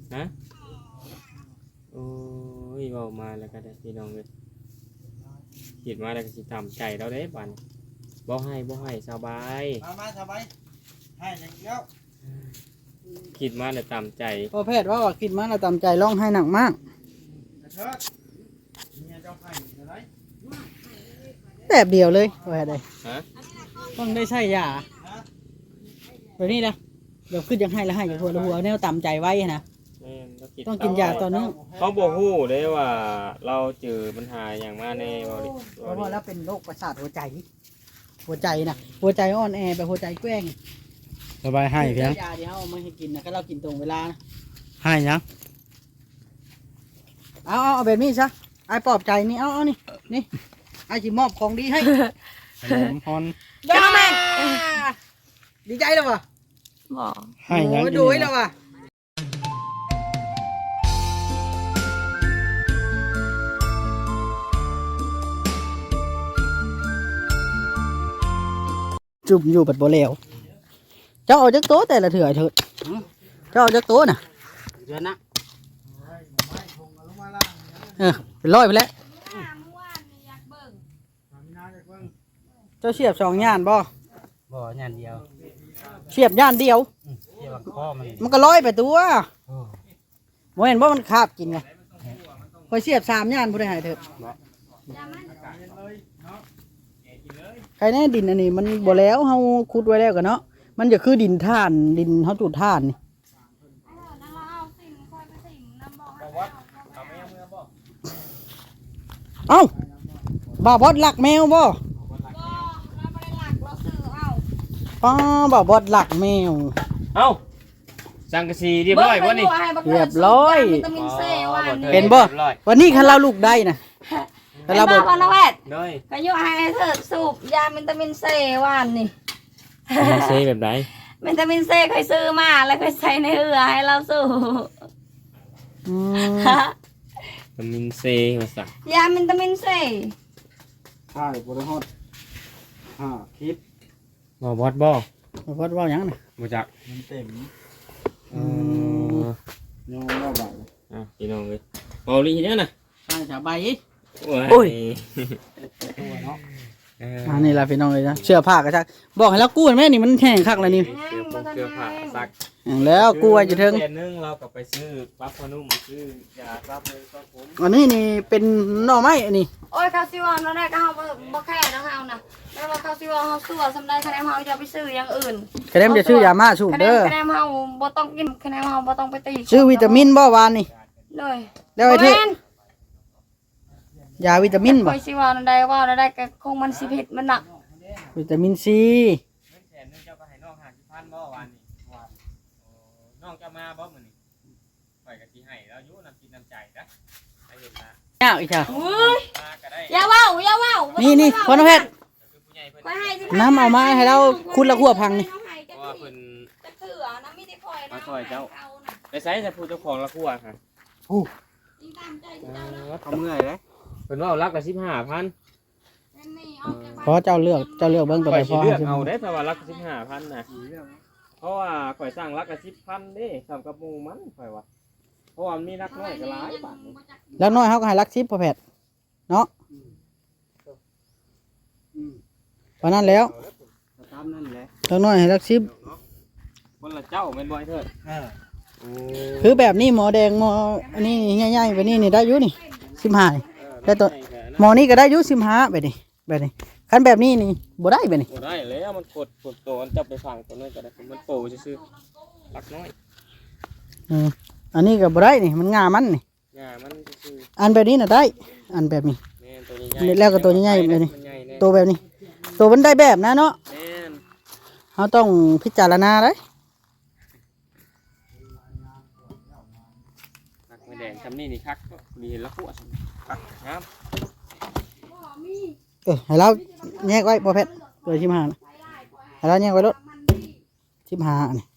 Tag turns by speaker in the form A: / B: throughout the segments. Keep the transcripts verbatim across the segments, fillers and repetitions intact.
A: ฮะโอ้ยเว้ามาแล้วก็ได้พี่น้องเอ้ยคิดมาแล้วก็สิตามใจเราเด้บัดบ่ให้บ่ให้สบาย
B: มามาสบายให้อย่างเดียว
A: คิดมาแล้วตามใจ
C: พ่อแพทย์ว่าว่าคิดมาแล้วตามใจร้องไห้หนักมาก
B: เถิดเมียเจ้าให้อะไร
C: แบบเดียวเลยพ่อแพทย์เลย
A: ฮะ
C: ต้องได้ใช้ยาแบบนี้นะเดี๋ยวขึ้นยังให้แล้วให้กับหัวละหัวแนวตามใจไว้นะ
A: แม่นเราคิด
C: ต้องกินยาต่อเนื่อง
A: เขาบอกฮู้เด้ว่าเราเจอปัญหาอย่างมาในบริ
C: เพราะว่าแล้วเป็นโรคประสาทหัวใจ หัวใจนะหัวใจอ่อนแอแบบหัวใจแกว้ง
B: สบายให้เพียง
C: ยาที่เขาเอามาให้กินนะก็เรากินตรงเวลานะ
B: ให้ยัง
C: เอาเอาเอาแบบนี้ซะไอ้ปลอบใจนี่เอาเอานี่นี่ไอ้จิมอบของดีให้
B: ขนมฮอน
C: จ้าแม่ดีใจแล้ววะ
D: บอก
B: ให้ยัง
C: โอ้ยดูให้แล้ววะจุ่มอยู่ปัดโบเลวเจ้าเอาจักโต๊ะแต่ละเถื่อเถิดเจ้าเอาจักโต๊ะน่ะ
B: เดือนนะ
C: เออเป็นร้อยไปแล้วเจ้าเสียบสองย่านบ่
B: บ่งานเดียว
C: เสียบย่านเดียว
B: เกี่ยวกับข้อมัน
C: มันก็ร้อยไปตัว
B: โอ้
C: บ่เห็นว่ามันคาบกินไงคอยเสียบสามย่านผู้ใดหายเถิดใครแน่ดินอันนี้มันบ่แล้วเฮาขุดไว้แล้วกันเนาะมันจะคือดินท่านดินเฮาจุดท่านนี่เอ้าบ่าวบอดหลักแมวบ่ป้าบ่าวบอดหลักแมว
A: เอ้าสังกะสีเรียบร้อยบ่นี่
C: เรียบร้อย
D: วิตามินซีวันนี้
C: เห็นบ่วันนี้คันเราลูกได้นะ
D: เห็นบ่พอนแพทย์
A: ด้วย
D: ก็อยู่ให้เธอสูบยาวิตามินซีวันนี่
A: มันเซแบบไหน
D: วิตามินซีเคยซื้อมาแล้วเคยใส่ในเรือให้เราสูบ
C: อืม
A: วิตามินเซมาสัก
D: ยาวิตามินซี
B: ใช่บริฮอดห้าคลิป
A: บ่บอดบ่
C: บ่าวบอดว่าหยังน่ะ
A: บ่จัก
B: มันเต็ม
A: เออ
B: โยงเล่าบ่าย
A: อ่ะพี่น้องเอ้ยเบาลีเนี่ยน่ะ
C: ใช่จ้ะใบ
A: โอ้ย
B: ตัวเนาะ
A: เออ
C: อันนี้ล่ะพี่น้องเอ้ยนะเสื้อผ้าก็ซักบอกให้แล้วกู้แม่นี่มันแห้งคักแล้วนี่
A: เสื้อผงเสื้อผ้าซัก
C: แห้งแล้วกู้ไว้จะถึง
A: เดือนนึงเราก็ไปซื้อปั๊บพนุ่มซื้อยาซับเลยซับผม
C: อันนี้นี่เป็นหน่อไม้อันนี้
D: โอ้ยคาซิวอนเราได้ก็เฮาบ่แค่นะเฮานะแม่ว่าคาซิวอนเฮาสู้สำได้คะแนนเฮาจะไปซื้ออย่างอื่น
C: กระเด็มจะชื่อยามาสูบ
D: คะแนน
C: เด้อ
D: คะแนนเฮาบ่ต้องกินคะแนนเฮาบ่ต้องไปตี
C: ชื่อวิตามินบ่วานนี่
D: เลย
C: แล้วไอ้ที่ยาวิตามินบ่
D: โอ้ยสิว่าอันใดว่าอันใดก็คงมันสิผิดมันน่ะ
C: วิตามินซี
A: แสนนึงเจ้าก็ให้น้องหาสิพันบ่วันนี้วันน้องจะมาบ่มื้อนี้ข่อยก็สิให้แล้วอยู่น้ำกินน้ำใจนะให้เห็นนะ
C: ยากอีกจ้ะ
D: อุ้ย
A: มาก็ได้
D: อย่าเว้าอย่าเว้า
C: นี่นี่พ่อน้องเพชร
A: คือผู้ใหญ่เพิ่น
D: ไปให้สิ
C: น้ำเอามาให้เราคุณละขั้วพังนี่
A: เพราะว่าเพิ่น
D: จะเถือนะมีแต่คอยนะ
A: มาช่วยเจ้า ไปใช้แต่ผู้เจ้าของละครัวค่ะ
D: ยิงตามใจเจ้านะ
B: เขาเมื่อยเลย
A: เพิ่นว่าเอาลักละสิบห้าพัน
D: แม่นี่ออกจาก
C: เพราะเจ้าเลือกเจ้าเลือกเบิ่งตัว
A: ข่
C: ใด
A: อย
C: พ
A: สิ
C: อ
A: เลือกเอาได้ถ้าว่าลักละสิบห้าพันนะเพราะว่าข่อยสร้างลักละสิบพันเด้ทำกับหมู่มันข่อยว่าเพราะว่ามันมีลักน้อยก็หลายบาทนี่
C: แล้วน้อยเขาก็ให้รักซิปพ่อแพทย์เนาะเพราะนั้นแล้ว
B: ตามนั่นแหละ
C: แล้วน้อยให้รักซิป
A: คนละเจ้าแม่นบ่ไอ้เถิด
B: เออ
A: โอ้
C: คือแบบนี้หมอแดงหมออันนี้ใหญ่ๆแบบนี้นี่ได้อยู่นี่สิบห้าแต่ตัวหมอนี่ก็ได้อยู่สิบห้าแบบนี้แบบนี้คันแบบนี้นี่บ่ได้แบบนี้
A: บ่ได้แล้วมันกดกดตัวมันจับไปฟังตัวนั้นก็ได้มันโปซื่อๆลักน้อย
C: อืมอันนี้ก็บ่ได้นี่มันงามันนี่
A: งามันซื่อ
C: อันแบบนี้น่ะได้ อันแบบนี้
A: ๆแม่นตัวใหญ่ๆ
C: แล้วก็ตัวใหญ่ๆแบบนี้
A: มันใหญ่แน่
C: ตัวแบบนี้ ตัวมันได้แบบนะเนาะ
A: แม่น
C: เราต้องพิจารณาเลย
A: ลักไม่แดงทำนี่นี่คักก็มีเห็นละขวดคักงาม
C: เออให้เราแยกไว้บ่เพชรตัวสิบห้านะให้เราแยกไว้รถสิบห้านี่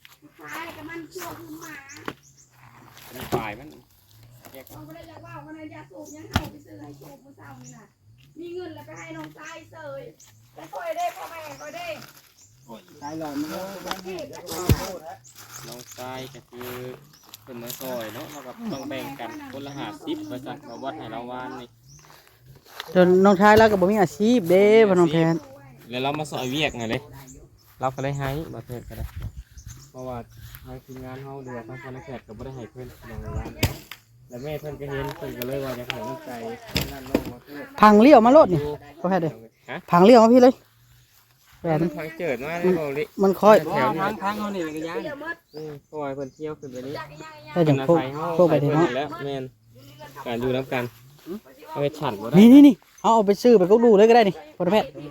A: มันปลายมันแยก
D: เอาไปได้แล้วว่าวันนั้นยาสูบยังเอาไปซื้อให้สูบมื้อเช้านี่น่ะมีเงินแล้วไปให้น้องชายเสยไปคอยได้พ่อแม่คอยได้
B: ตายหลอนมัน
D: เก็บ
A: น้องชายก็คือพิ่นมาซอยเนาะเราก็ต้องแบ่งกันคนละห้าสิบว่าซั่นมาวัดให้เราวานนี่
C: จนน้องชายแล้วก็บ่มีอาชีพเด้พ่อน้องแพน
A: แล้วเรามาซอยเวียกไงเลยเราก็เลยให้บ่เพิ่นก็ได้เพราะว่าทางทีมงานเฮาเดือทางคนละแขกก็บ่ได้ให้เพิ่นน้องวานแล้วแม่เพิ่นก็เห็นเพิ่นก็เลยว่าอยากให้น้ำใจนั่นน้องมาเพิ่น
C: พังเลี้ยวมาโลดนี่พ่อแพทย์เด้อ
A: ฮะ
C: พังเลี้ยวมาพี่เลยแบ
A: มั
C: บ
A: นทางเจิดมาเลยบ่ลิ
C: มันค่อย
A: แถวนี้
B: ทางทางเฮานี่ก็ยัง
D: เดี๋ยวมด
A: อือเพราะว่าเพิ่นเที่ยวขึ้นไปนี้
C: ได้จังพวกพวกไปที่เนาะ
A: แล้วแม่นการอยู่นํกันเอาไปฉันบ่ได้
C: นี่นี่นี่เอาเอาไปซื้อไปก็ดูเลยก็ได้นี่พ่อน้องแพทย์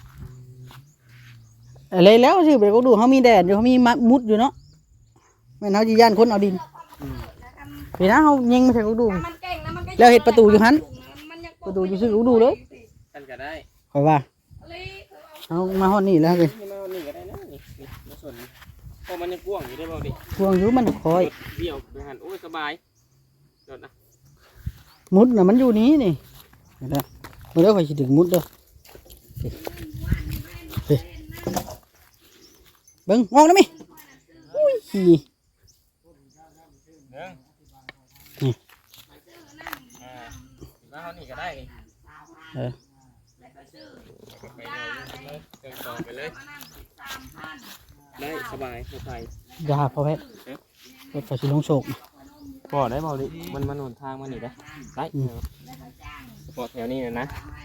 C: อะไรแล้วซื้อไปก็ดูเขามีแดดอยู่เขามีมัดมุดอยู่เนาะแม่นเฮาสิย่านคนเอาดินพี่นะเฮายิงไม่ใช่ก็ดู
D: มันเก่งนะมันก็
C: แล้วเฮ็ดประตูอยู่หัน
D: มันยัง
C: ประตูอยู่ซื้อก็ดูเลย
A: กันก็ได้
C: ค่อยว่า
D: เลย
C: เอามาฮอดนี่แล้วเลย
A: นี่มานี่ก็ได้นะนี่นี่มาส่วนนี้เพราะมันยังกว้างอยู่ได้บ่ดิ
C: พวงอยู่มันคอย
A: เดี่ยวไปหันโอ้ยสบายโดดนะ
C: มุดน่ะมันอยู่นี้นี่เห็นไหมบ่ได้ค่อยสิถึงมุดเด้อเฮ้ยเบิ่งมองได้มั้ยอุ้ย
A: หนึ่ง
C: นี่
A: อ่าแล้วเขานี่ก็ได้
C: เออ
A: ไปเลยเดินต่อไปเลยได้สบายสบาย
C: ยาพอแพทย์รถไฟสิลงโศก
A: พอได้บ่ดิมันมันหนทางมันนี่ได้ได้พอแถวนี้นะนะ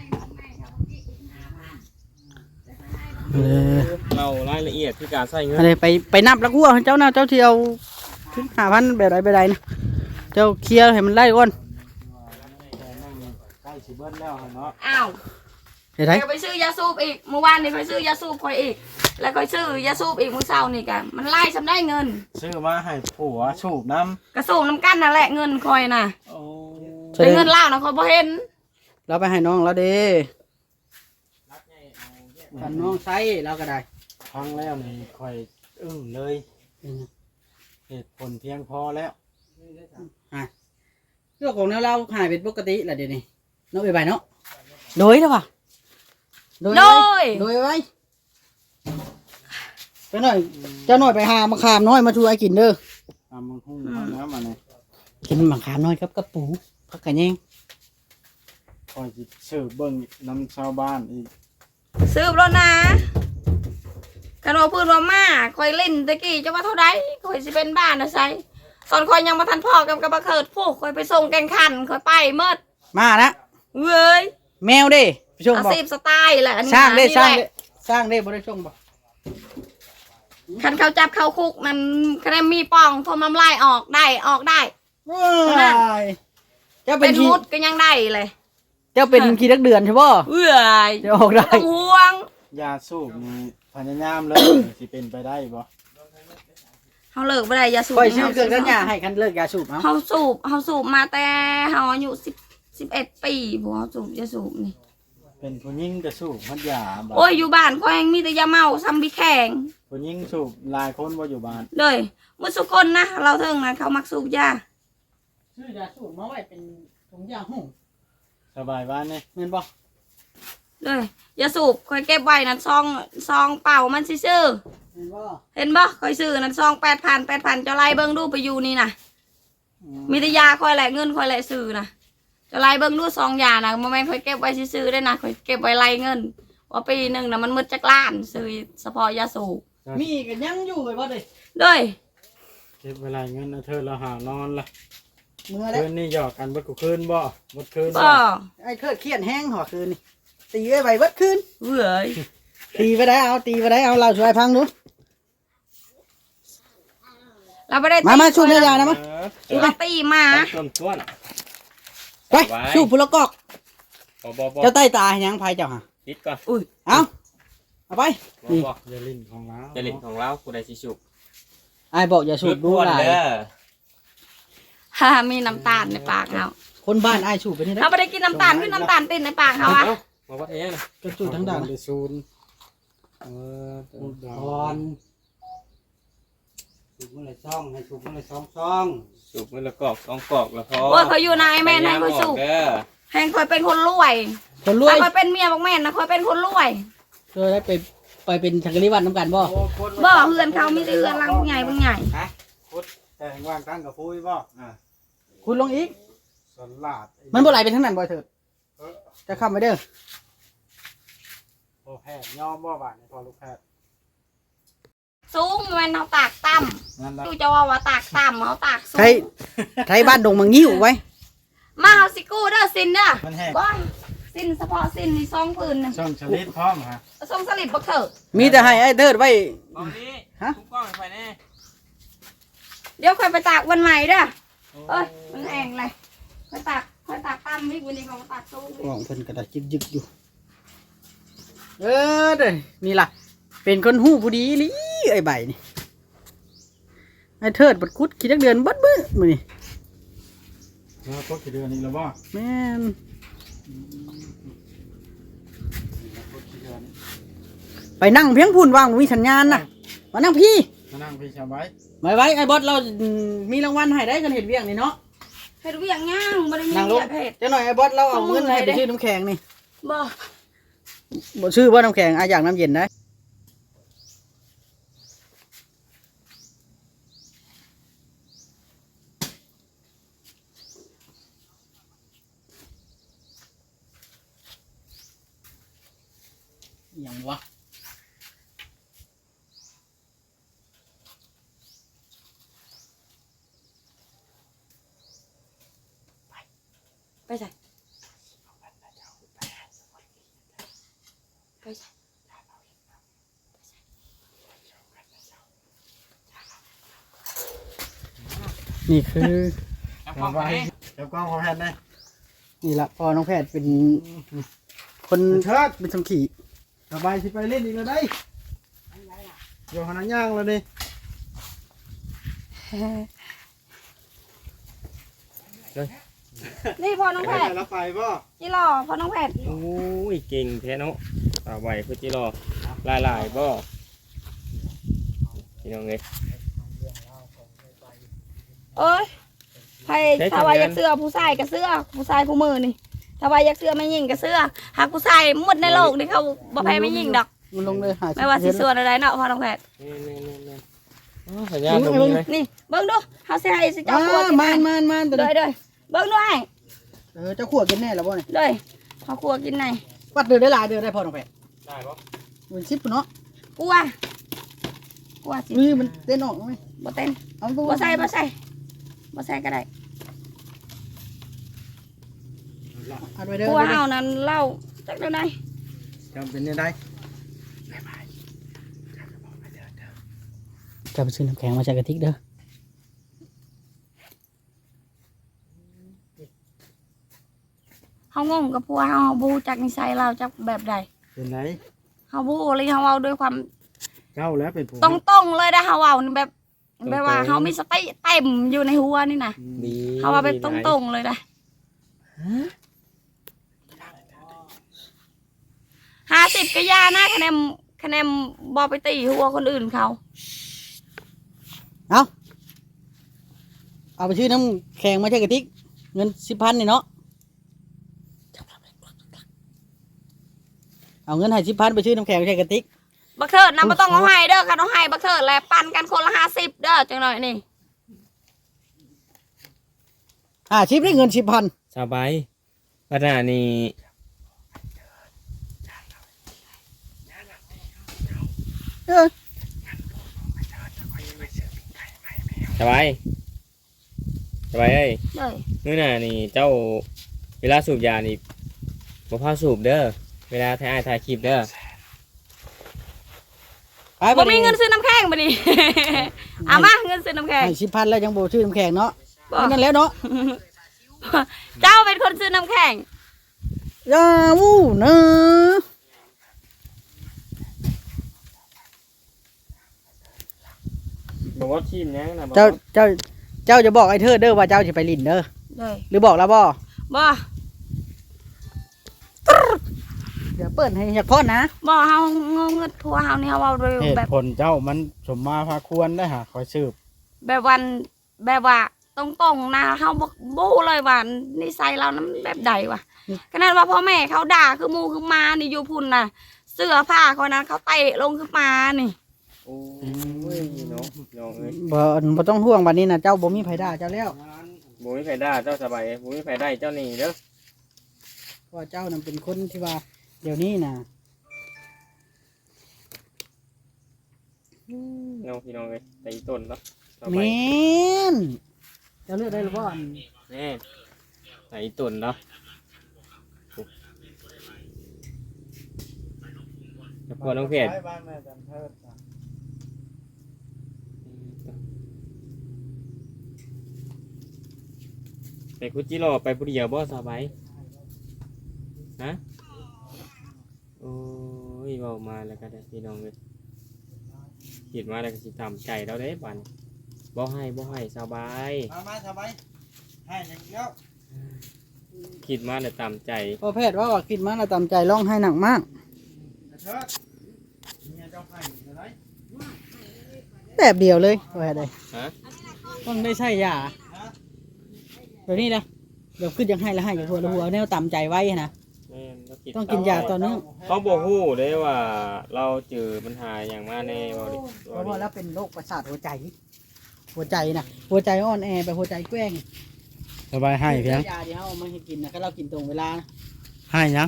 C: เออ
A: เรารายละเอียดที่การใส่เงิน
C: อะไรไปไปนับแล้วกูเอาให้เจ้านะเจ้าที่เอาถึงห้าพันแบบใดแบบใดนะเจ้าเคลียร์ให้มันไล่ก่อน
B: ใกล้สิเบิดแล้วเนาะ
D: อ้าว
C: เห็นไหม
D: เดี๋ยวไปซื้อยาสูบอีกเมื่อวานนี่ไปซื้อยาสูบคอยอีก แล้วก็ซื้อยาสูบอีกมื้อเช้านี่กันมันไล่สำได้เงิน
B: ซื้อมาให้ผัวสูบน้
D: กระสูบน้ำกันนั่นแหละเงินคอยน่ะ
B: ำโอ้
D: แต่เงินเล่านะคอยบ่เห็น
C: เราไปให้น้องเราเด้กันน้องใช้เราก็ได้
B: ฟังแล้วนี่ค่อยอึ้งเลยเหตุผลเพียงพอแล้ว
C: เรื่องของแนวเราหายเป็นปกติแหละเดี๋ยวนี้น้องไปไปเนาะโดยเถอะป่ะ
D: โดย
C: โดยไว้ไปหน่อยเจ้าหน่อยไปหามะขามน้อยมาช่วยกินเด้อ
B: ตามมึงหุ้งเอาแล้วมาเนี่ย
C: กินมะขามน้อยครับกระปูพักกันยัง
B: คอยสิซื้อเบิ่งน้ำชาวบ้านอีก
D: ซื้อรถนะกันว่าพูดว่ามาคอยเล่นตะกี้จะว่าเท่าใดคอยสิเป็นบ้านนะไซตอนคอยยังมาทันพ่อกับกระบะเขิดพวกคอยไปส่งแกงขันคอยไปเมื่อ
C: มานะ
D: เว้ย
C: แมวเด้ไปชม
D: อา
C: บอก
D: ชีพสไตล์แหละอันนี้
C: สร้างได้
D: นี่
C: สร้าง
D: แห
C: ได้
D: ละ
C: สร้างได้บ่ได้ชมบอก
D: คันเขาจับเข้าคุกมันคะแนนมีปองทนน้ำลายออกได้ออกได้
C: ว้ายเจ้าเป็
D: เป็น น
C: ขี้
D: มุดก็ยังได้เลย
C: เจ้าเป็นขี้ดักเดือนใช่ป่ะ
D: เว้ย
C: จะออกได้
D: ต้องห่วง
B: ยาสูบนี่พยายามเลย สิเป็นไปได้บ่
D: เขาเลิกไม่ได้ยาสูบ
C: คอยซื้อเครื่องดันยาให้คันเลิกยาสูบเอา
D: เขาสูบเขาสูบมาแต่เขาอายุสิบสิบเอ็ดปีบัวสูบยาสูบนี่
B: เป็นผู้หญิงก็สูบมันยาบ่
D: โอ้ยอยู่บ้านก็ยังมีแต่ยาเมาซัมบีแข็ง
B: ผู้หญิงสูบหลายคนบ่อยู่บ้าน
D: เลยเมื่อสุกคนนะเราเทิงนะเขามักสูบยา
C: ซื้อยาสูบมาไว้เป็นถุงยาหุ่ง
B: สบายบ้านนี่
C: เงินบ่
D: เลยยาสูบคอยเก็บไว้นั่นซองซองเป่ามันซื่อ
C: เงินบ่
D: ๆเห็นบ่คอยซื้อนั่นซองแปดพันแปดพันจะไล่เบิ้งดูไปอยู่นี่นะมีแต่ยาคอยแหละเงินคอยแหละซื้อนะจะไล่เบิ้งดูซองยานะโมเมนต์คอยเก็บไว้ซื่อๆได้นะคอยเก็บไว้ไล่เงินว่าปีหนึ่งนะมันมืดจักล้านซื้อเฉพาะยาสูบ
C: มีกันยังอยู่ไว้บ่เด้
D: เลย
B: เก็บเวลาเงินเอาเธอเราหานอนละ
C: เมื่อแล้ว
B: คืนนี้หยอกกันเบิดกูคืนบ่หมดคืน
D: บ่
C: ไอ้เคิดเครียดแห้งหัวคืนนี่ตีไว้ไว้เบิดคืน
D: เว้ย
C: ตีไปได้เอาตีไปได้เอาเราช่วยพังดู
D: เราไม่ได้
C: มามาชูดยานะมั้ย
A: เออ
D: เราตีหมา
A: ต้นต้น
C: ไปชูผู้ละกอก
A: บ่บ่บ่
C: เจ้าใต้ตาให้ยังไผเจ้าหะ
A: ติดก่อน
D: อุ้ย
C: เอาเอาไป
A: บ่บ่
B: อย่าลิ้นของเรา
A: จะเล่นของเราผู้ใดสิสุก
C: ไอ้บอกอย่าสูบดูหลาย
A: เด้อ
D: ฮ่ามีน้ำตาลในปากเขา
C: คนบ้านไอ้สูบไปนี่นะ
D: เราไม่ได้กินน้ำตาลคือน้ำตาลติดในปากเขาอะ
A: เอ้ามาวัดเองนะ
C: ก็สูบทั้งด่าน
B: ไปซูน
A: เออ
B: พูดดา
E: ก่อนสูบมันเลยซ่องให้สูบมันเลยซ่องซ่อง
A: สุกมือละกอกสองกอกละพอ
D: โอ้ยเขาอยู่นายแม่นายเขาสูบ
A: เด้อ
D: แหงคอยเป็นคนรวย
C: คนรวย
D: ถ้าคอยเป็นเมียบอกแม่นนะคอยเป็นคนรวย
C: เคยได้ไปไปเป็นชักรีวัดน้ำกันบ่
D: บ่เฮือนเขามีแต่เฮือนหลังใหญ่บางใหญ่
E: ฮะพุทธ
B: แต่งว่างตั้งกับพุ้ยบ่อ่า
C: คุณลงอีก
B: สลาด
C: มันบ่ไหลไปทางนั้นบ่เถิดจะค้ำไปเด้อ
B: พอแพทย์ยอมบ่บาดนี่พอลูกแพทย์
D: สูงมันเอาตากต่ำ
B: นั่นละ
D: ดูจะว่าว่าตากต่ำเอาตากสู
C: ไทย
D: ง
C: ไทยบ้านดงมังงิ้วไว้
D: มาเอาสิกู้เด้อสินเด้อ
B: มันแห้ง
D: ก้อนสินเฉพาะสินนี่ซองปืนนึง
B: ช่องชลิดพร้อมฮะ
D: ส่งสลิดบักเถอะ
C: มีแต่ให้ไอ้เถิดไว้
A: ตอนนี้
C: ฮะ
A: ทุกกล้องไปแน่
D: เดี๋ยวค่อยไปตากวันใหม่เด้อเอ้ยมันแห้งเลยค่อยตากค่อยตากต่ำอีกวันนี้ก็มาตากสูงอีก
C: ของเพิ่นกระดาษยึกๆอยู่ เออเด้อนี่ล่ะ เป็นคนหู้ผู้ดีลิไอ้ใบนี่ไอ้เถิดบัดคุดขี้จักเดือนบัดมื้อมื้อนี่
B: แล้วก็กี่เดือนอีกแล้วบ่
C: แม่นไปนั่งเพียงพูนวางบ่มีสัญญาณน่ะมานั่งพี่
B: มานั่งพี่ชาวไว้
C: ไว้ไว้ไอ้บอสเราอืมมีรางวัลให้ได้กันเห็ดเวียงนี่เนาะ
D: เฮ็ดเวียงย่างบ่ได้มี
C: นั่งลง
D: เวียกเฮ็ด
C: เจ้าหน่อยไอ้บอสเราเอาเงินให้ไปซื้อน้ำแข็งนี่
D: บ่
C: บ่ซื้อบ่น้ำแข็งอาอยากน้ำเย็นได้อย่างวะ
D: ไปใส่ไปใส่
C: นี่คือ
A: แล้ว
B: ชาว
A: ไป
B: ไว้เดี๋ยวกล้องพอแพทย์ได้
C: นี่ละพอน้องแพทย์เป็นคน
B: เชิด
C: เป็นสมขี่
B: สบายสิไปเล่นอีกแล้วได้อยู่หันย่างแล้วดิ
D: นี่พอน้อง
B: ไป
D: แพทย์
B: แล้วไปบ่
D: จิรอพอน้องแพทย์
A: โอ้ยเก่งแท้เนาะตาไหวเพื่อจิรอลายลายๆบ่พี่น้องเอ้ย
D: เอ้ยไผ
A: ใช้
D: ถ้าว่า
A: ทำงาน
D: อยากเสื้อผู้ชายก็เสื้อผู้ชายผู้มือนี่ถ้าว่าอยากเสื้อไม่ยิงก็เสื้อหากผู้ชายหมดในโลกนี่เขาบ่แพ้ไม่ยิงดอก
C: มันลงเลยหา
D: ไม่ว่าสิส่วนอะไรเนาะพอน้องแพทย์
A: นี่ๆๆๆอ๋อสัญญาณตรงนี้เลย
D: นี่เบิ่งดูเฮาสิให้สิ
C: อ่า
D: เจ้าครัวกิน
C: มานมานมานตัว
D: เด้
C: นี้
D: อยเด้อยเบิ่งดูให้
C: เออเจ้าขั่วกินแน่แล้วบ่เนี่ย
D: เด้อยเฮาครัวกินไหน
C: วัดเดือนได้หลายเดือนได้พอน้องแพทย์
A: ได้ปะ
C: เป็นสิบเนาะ
D: กลัวกลัวสิ
C: มือมันเต้นออกไหม
D: บ่เต้น
C: เอาตัว
D: บ่ใส่บ่ใส่บ่ใส่ก็ได้
C: อัดไว้เด้อก
D: ลัวเฮานั้นเล่าจักเดี๋ยวไหน
B: จำเป็นยังไง
C: จะไปซื้อน้ำแข็งมาจากกระติกเด้อ
D: เฮางงกับผัวเฮาเฮาบ่รู้จักนิสัยเราจักแบบใด
B: เป็นไร
D: เฮาบ่รู้เลยเฮาเว้าด้วยความ
B: เจ้าแล้วเป็นผู้
D: ตรงๆเลยได้เฮาเว้านี่แบบแบบว่าเฮามีสติเต็มอยู่ในหัวนี่น่ะ
A: ดี
D: เฮาว่าแบบตรงๆเลยได้ห้าสิบก็ยานะคะแนนคะแนนบ่ไปตีหัวคนอื่นเขา
C: เอาเอาไปซื้อน้ำแข็งมาจากกระติกเงินสิบพันนี่เนาะเอาเงินให้สิบพันไปซื้อน้ำแข็งมาจากกระติก
D: บักเถิดนำบ่ต้องเอาให้เด้อคันเอาให้บักเถิดแหละปันกันคนละห้าสิบเด้อจังหน่อยนี่
C: อ่าชิปได้เงินสิบพัน
A: สบายปัญหานี่
C: เออ
A: สบายสบายเอ้ย
D: เด้อ
A: นู่นน่ะนี่เจ้าเวลาสูบยานี่บ่พาสูบเด้อเวลาถ่ายอ้ายถ่ายคลิปเด้อ
C: ไป
D: บ่มีเงินซื้อน้ำแข็งบ่ดิ เอามาเงินซื้อน้ำแข็ง
C: ให้สิบพันแล้วยังโบซื้อน้ำแข็งเนาะ
D: บ่
C: นั่นแล้วเนาะ
D: เจ้าเป็นคนซื้อน้ำแข็ง
C: ยาวูเนอะ
A: บอกว่าทีมยังนะบอก
C: เจ้าเจ้าเจ้าจะบอกไอ้เธอเด้อว่าเจ้าจะไปลินเด้อ
D: เด้อ
C: หรือบอกแล้วบ่
D: บ่
C: เดี๋ยวเปิดให้อยากพ่อนะ
D: บ่เฮางงเงินผัวเฮานี่เฮาเว้าด้วย
B: เหตุ
D: แบบ
B: ผลเจ้ามันสมมาพาควรได้หาคอยสืบ
D: แบบวันแบบว่าตรงๆนะเฮาบ่บ่รู้เลยว่านิสัยเรานั้นแบบใดวะขนาดว่าพ่อแม่เขาด่าคือหมู่คือหมานี่อยู่พุ่นน่ะ เสื้อผ้าคนนั้นเขาเตะลงคือหมานี่
A: โอ้ยเนาะน้องเอ้ย
C: บ่บ่ต้องห่วงบัดนี้นะเจ้าบ่มีไผด่าเจ้าแล้ว
A: บ่มีไผด่าเจ้าสบายบ่มีไผได้เจ้านี่เด้อ
C: เพราะว่าเจ้านั่นเป็นคนที่ว่าเดี๋ยวนี้น่ะ
A: น้องพี่น้องเอ้ยแต่อีต้นเนาะสบาย
C: แม่นเจ้าเลือกได้หรือบ่อัน
A: แน่แต่อีต้นเนาะแต่พอน้องเพชร
B: บ้านแม่จันเทิดจ้ะ
A: ไปคุจิโร่ไปผู้เดียวบ่สบายฮะโอ้ยเว้ามาแล้วก็ได้พี่น้องเอ้ยคิดมาแล้วก็สิตามใจเราเด้บัดนี้บ่ให้บ่ให้สบาย
B: มามาสบายให้อย่างเดียว
A: คิดมาแล้วตามใจ
C: พ่อแพทย์ว่าว่าคิดมาแล้วตามใจร้องไห้หนักมาก
B: จันเทิดเมียเจ้าให้อะไร
C: แบบเดียวเลยว่าได้
A: ฮะ
C: ต้องได้ใช้ยาเดี๋ยวนี้นะเดี๋ยวขึ้นยังให้แล้วให้กับหัวแล้วหัวแนวตามใจไว้นะ
A: แม่นเราคิด
C: ต้องกินยาต่อเนื่อง
A: เขาบอกฮู้ได้ว่าเราเจอปัญหาอย่างมาในบริ
C: เพราะว่าแล้วเป็นโรคประสาทหัวใจ หัวใจนะหัวใจอ่อนแอไปหัวใจแกว้ง
B: สบายให้เพียง
C: ยาที่เขาเอามาให้กินนะถ้าเรากินตรงเวลานะ
B: ให้ยัง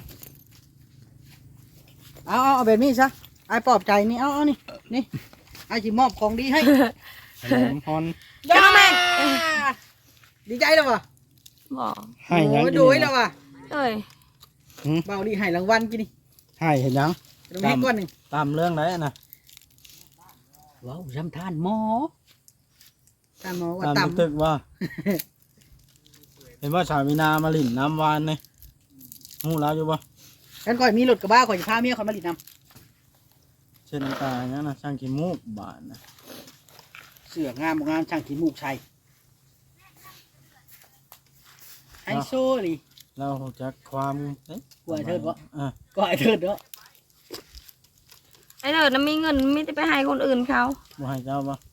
C: เอาเอาเอาแบบนี้ซะไอ้ปลอบใจนี่เอาเอานี่นี่ไอ้จีมอบของดีให้
B: ขนมฮอน
C: จ้าแม่ดีใจแล้ววะ
D: บอก
B: ให้ยัง
C: โอ้ย
B: กิน
C: ดูแล้ววะ
D: เอ้ย
C: เบาดีให้รางวัลกินนี่
B: ให้เห็นยัง
C: ตรงนี้ก้อนหนึ่ง
B: ตามเรื่องไหนนะ
C: ว้าวรำทานหมอทานหมอว่า
B: ตาม
C: ต่
B: ตึกว่า เห็นว่าสามีนามาหลิ่นน้ำวานนี่หูแล้วอยู่ปะ
C: ำกันก่อยมีรถกระบะก่อยจะพาเมียคอยมาหลีดน้
B: เช่นตาอย่างนั้นนะช่างขี้มูกบานนะ
C: ำเสืองามบ่งามช่างขี้มูกชัยไฮโซนี่
B: เราจักความเอ๊ะ
C: กลัวไอ้เทิดวะ
B: อ่ะ
C: ก็ไอ้เทิดเนาะ
D: ไอ้เถิดน่ะมีเงินไมแต่ได้ไปให้คนอื่นเขา
B: บ่ให้เจ้าปะ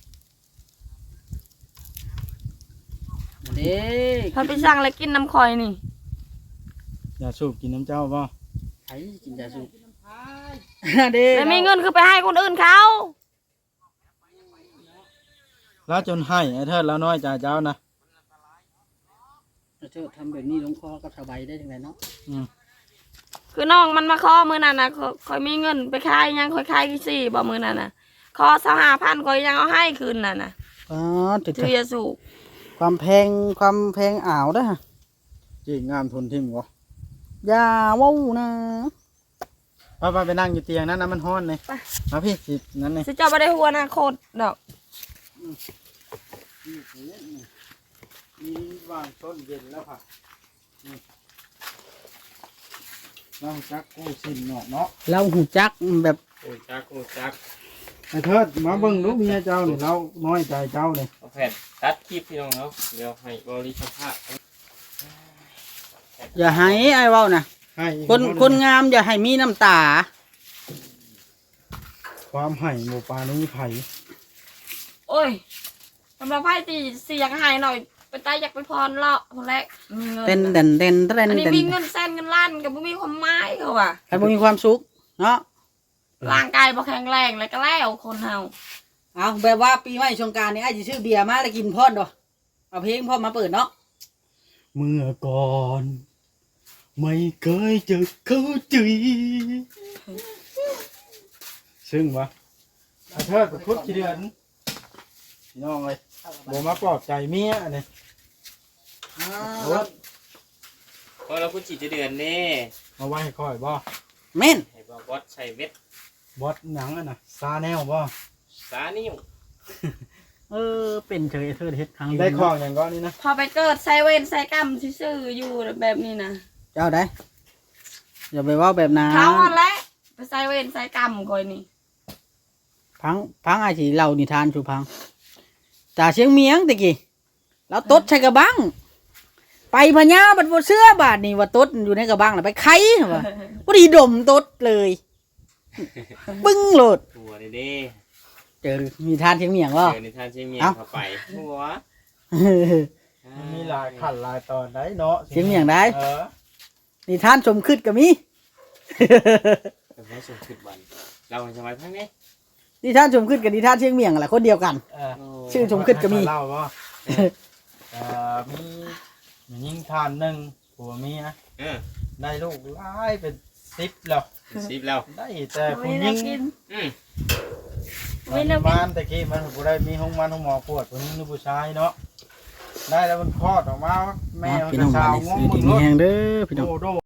C: เด้
D: เขาไปสั่งอะไรกินน้ำคอยนี่
B: อย่าสูบกินน้ำเจ้าปะ
C: ไอ้กินยาสูบเด้
D: แล้วมีเงินคือไปให้คนอื่นเขา
B: แล้วจนให้ไอ้เทิดแล้วน้อยใจเจ้านะ
C: ไอ้เทิดทำแบบนี้ลงคอกับสบายได้ยังไงเนาะ
B: อืม
D: คือน้องมันมาขอมือนั่นนะคคอยมีเงินไปขายยังคอยขายกี่สี่บอกมือนั่นนะขอสหพันคอยยังเอาให้คืนน่ะนะ
C: อ๋อติด
D: ถือยาสูบ
C: ความแพงความแพงอ่าวเด้อ
B: จีงามทนทิมวะ
C: อย่าเว้าวนะ
B: ป้าป้าไปนั่งอยู่เตียงนั้นนะมันฮ้อนเลยมาพี่สินั้นเลย
D: สิเจ้าไม่ได้หัวหนาโคตรดอก
B: มีวางต้นเย็นแล้วค่ะเราจักกู้สินเนาะเนาะ
C: เราหูจักแบบ
A: โอ้ยจักโอ้ยจัก
B: ไอ้เทิดมาเบิ่งลูกเมียเจ้าเนี่ยเราน้อยใจเจ้าเนี่ย
A: เอาแผ่นตัดคลิปพี่น้องเนาะเดี๋ยวให้บริษัทภาพ
C: อย่าให้ไอ้เว้านะ
B: ให้อีก
C: คนคนงามอย่าให้มีน้ำตา
B: ความให้หมูปลานี้ไผ่
D: โอ้ยสำหรับไพ่ตีเสียงหายหน่อยไปตายอยากไปพรเลาะคนแรกมีเงิน
C: เต้นเต้นเต้นเต้น
D: อันนี้
C: เต้น
D: มีเงินแสนเงินล้านกับบ่มีความหมายเขาว่ะ
C: ใครบ่มีความสุขเนาะ
D: ร่างกายบ่แข็งแรงแล้วก็แล้วคนเฮา
C: เอาแบบว่าปีใหม่สงกรานต์นี่ไอ้จะซื้อเบียร์มาแล้วกินพอดดอกเอาเพลงพอดมาเปิดเนาะ
B: เมื่อก่อน ไม่เคยจะเข้าใจซึ่งวะไอ้เทิดไปคุดกี่เดือนพี่น้องเลยบ่มาปลอบใจเมียอันนี้
C: อ้า
B: เอา
C: ว
A: เพราะเราพูดจีจะเดือนนี่
B: มาไว้ให้ค่อยบ่
C: แม่น
A: ให้บอกวัดใช้เม็ด
B: บอสหนังอ่ะนะซาแนลบ่
A: สานิ้ว
C: เออเป็นเฉยเธอเฮ็ดครั้ง
B: ได้ของอย่างก้อนนี้นะ
D: พอไปเกิดไซเวนไซกัมซื่อๆอยู่แบบนี้นะ
C: เจ้าได้อย่าไปเว่าแบบนั้น
D: เขาหั่นแหละไปไซเวนไซกัมคอยนี่
C: พังพังไอ้สิเล่านิทานสู่พังตาเชียงเมียงตะกี้แล้วตดใส่กระบังไปพญาบัดบ่เสื้อบาดนี่ว่าตดอยู่ในกระบังน่ะไปไข่ว่าบ่ได้ดมตดเลยปึ้งโลด
A: ตัวเด้เด้
C: เจอมีทานเชียงเมียงบ่
A: เจอในท่านเชียงเมียง
C: เอ้า
A: เข้าไปหัว
B: มันมีหลายขันหลายตอนได้เนาะ
C: เชียงเมียงได้
B: เออ
C: นิทานสมคิดก็มี
A: แต่ไม่สมคิดวันเราให้สมัยพังนี้
C: นิทานชมขึ้นกับนิทานเชียงเมียงแหละคนเดียวกัน
B: เออ
C: ชื่อชมขึ้นก็มี
B: เล่าว่าเอ่อมีมียิงทานหนึ่งผัวเมีย
A: เออ
B: ได้ลูกหลายเป็นสิบแล้ว
A: สิบแล้ว
B: ได้แต่ผู้
D: ไม่
B: หญิ
D: น่าง กิน
A: อืม
D: ไม่น่ากิน
B: มันตะกี้มันบ่ได้มีห้องมันห้องหมอปวดผู้หญิงหรือผู้ชายเนาะได้แล้วมันคลอดออกมาแม่มัน
C: พี่
B: ก็
C: น้อง
B: สาว
C: บ้าน
B: ง
C: นี้
B: ง
C: คือ
B: มึ
C: ดี
B: ง
C: มี
B: รถ
C: แฮงเด้อพี่น้อง
B: โดโด